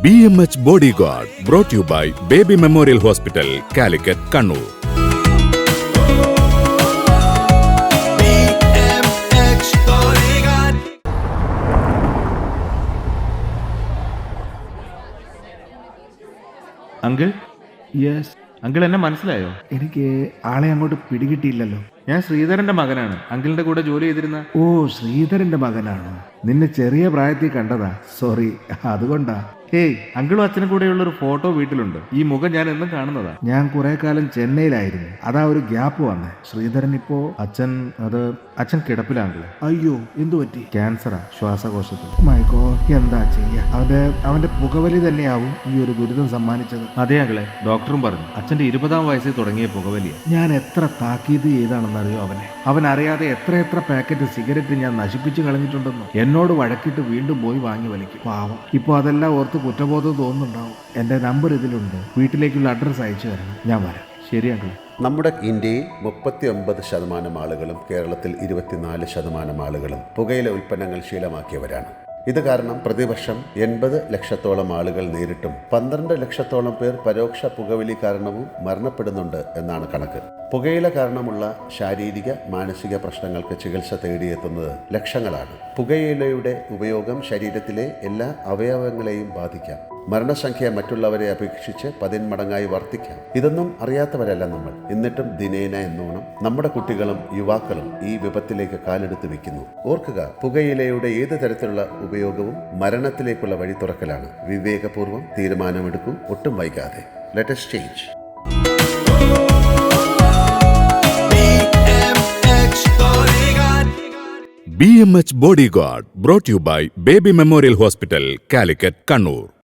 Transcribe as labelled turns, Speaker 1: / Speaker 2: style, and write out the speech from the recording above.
Speaker 1: BMH Bodyguard brought to you by Baby Memorial Hospital, Calicut, Kannur.
Speaker 2: Uncle,
Speaker 3: yes.
Speaker 2: Uncle എന്നെ മനസ്സിലായോ?
Speaker 3: എനിക്ക് ആളെ അങ്ങോട്ട് പിടികിട്ടിയില്ലല്ലോ.
Speaker 2: ഞാൻ ശ്രീധരന്റെ മകനാണ്. അങ്കിളിന്റെ കൂടെ ജോലി ചെയ്തിരുന്ന.
Speaker 3: ഓ, ശ്രീധരന്റെ മകനാണോ? നിന്നെ ചെറിയ പ്രായത്തിൽ കണ്ടതാ. സോറി, അതുകൊണ്ടാ.
Speaker 2: ഹേയ്, അങ്കിളും അച്ഛനും കൂടെയുള്ള ഒരു ഫോട്ടോ വീട്ടിലുണ്ട്. ഈ മുഖം ഞാൻ എന്നും കാണുന്നതാ.
Speaker 3: ഞാൻ കുറെ കാലം ചെന്നൈയിലായിരുന്നു. അതാ ഒരു ഗ്യാപ്പ് വന്നേ. ശ്രീധരൻ ഇപ്പോ
Speaker 2: അച്ഛൻ കിടപ്പിലാങ്കിള്.
Speaker 3: അയ്യോ, എന്തു പറ്റി?
Speaker 2: ക്യാൻസറാ, ശ്വാസകോശത്തിൽ.
Speaker 3: മൈഗോ, എന്താ ചെയ്യാ? അവന്റെ പുകവലി തന്നെയാവും ഈ ഒരു ദുരിതം സമ്മാനിച്ചത്.
Speaker 2: അതെ അങ്കിളെ, ഡോക്ടറും പറഞ്ഞു അച്ഛന്റെ 20-ാം വയസ്സിൽ തുടങ്ങിയ പുകവലിയ.
Speaker 3: ഞാൻ എത്ര താക്കീത് ചെയ്താണെന്നറിയോ അവനെ. അവൻ അറിയാതെ എത്ര പാക്കറ്റ് സിഗരറ്റ് ഞാൻ നശിപ്പിച്ചു കളഞ്ഞിട്ടുണ്ടെന്നോ. എന്നോട് വഴക്കിട്ട് വീണ്ടും പോയി വാങ്ങി വലിക്കും. പാവം. ഇപ്പൊ അതെല്ലാം ഓർത്ത് കുറ്റബോധം തോന്നുന്നുണ്ടാവും. എന്റെ നമ്പർ ഇതിലുണ്ട്. വീട്ടിലേക്കുള്ള അഡ്രസ്സ് അയച്ചു തരണം. ഞാൻ വരാം.
Speaker 2: ശരി അങ്കിൾ.
Speaker 4: നമ്മുടെ ഇന്ത്യയിൽ 39% ആളുകളും കേരളത്തിൽ 24% ആളുകളും പുകയില ഉൽപ്പന്നങ്ങൾ ശീലമാക്കിയവരാണ്. ഇത് കാരണം പ്രതിവർഷം 80 ലക്ഷത്തോളം ആളുകൾ നേരിട്ടും 12 ലക്ഷത്തോളം പേർ പരോക്ഷ പുകവലി കാരണവും മരണപ്പെടുന്നുണ്ട് എന്നാണ് കണക്ക്. പുകയില കാരണമുള്ള ശാരീരിക മാനസിക പ്രശ്നങ്ങൾക്ക് ചികിത്സ തേടിയെത്തുന്നത് ലക്ഷങ്ങളാണ്. പുകയിലയുടെ ഉപയോഗം ശരീരത്തിലെ എല്ലാ അവയവങ്ങളെയും ബാധിക്കാം. മരണസംഖ്യ മറ്റുള്ളവരെ അപേക്ഷിച്ച് 10 മടങ്ങായി വർദ്ധിക്കാം. ഇതൊന്നും അറിയാത്തവരല്ല നമ്മൾ. എന്നിട്ടും ദിനേന എന്നോണം നമ്മുടെ കുട്ടികളും യുവാക്കളും ഈ വിപത്തിലേക്ക് കാലെടുത്ത് വെക്കുന്നു. ഓർക്കുക, പുകയിലയുടെ ഏത് തരത്തിലുള്ള ഉപയോഗവും മരണത്തിലേക്കുള്ള വഴി തുറക്കലാണ്. വിവേകപൂർവ്വം തീരുമാനമെടുക്കൂ, ഒട്ടും വൈകാതെ. Let us change.
Speaker 1: BMH Bodyguard brought to you by Baby Memorial Hospital, Calicut, Kannur.